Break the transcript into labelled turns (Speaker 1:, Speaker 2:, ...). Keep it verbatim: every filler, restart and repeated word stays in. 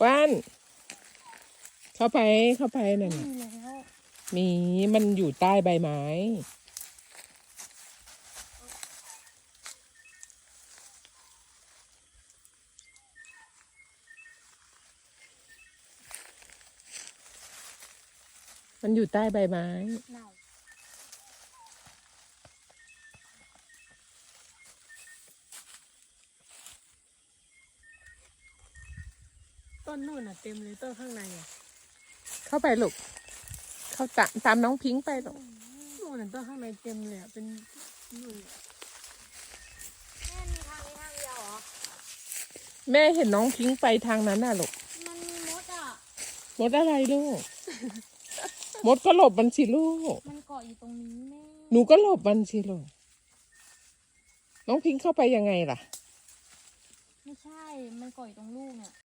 Speaker 1: ว่านเข้าไปเข้าไปนั่น
Speaker 2: มี
Speaker 1: น่ะ
Speaker 2: แล้ว
Speaker 1: มีมันอยู่ใต้ใบไม้มันอยู่ใต้ใบไม้
Speaker 2: เน่าต้นนู่นอ่ะเต็มเลยต้นข้างในอ่ะ
Speaker 1: เข้าไปลูกเข้าตามตามน้องพิงค์ไปลูก
Speaker 2: นู่นน่ะต้นข้างในเต็มเลยอ่ะเป็นนู่นแม่มีทางนี้ทางเดียวเหรอ
Speaker 1: แม่เห็นน้องพิงค์ไปทางนั้นน่ะลูก
Speaker 2: มันมีมดอ่ะ
Speaker 1: มดอะไรลูก มดก็หลบมันสิลูก
Speaker 2: มันเกาะอยู่ตรงนี้แม่
Speaker 1: หนูก็หลบมันสิลูกน้องพิงค์เข้าไปยังไงล่ะ
Speaker 2: ไม่ใช่ มันเกาะอยู่ตรงลูกเนี่ย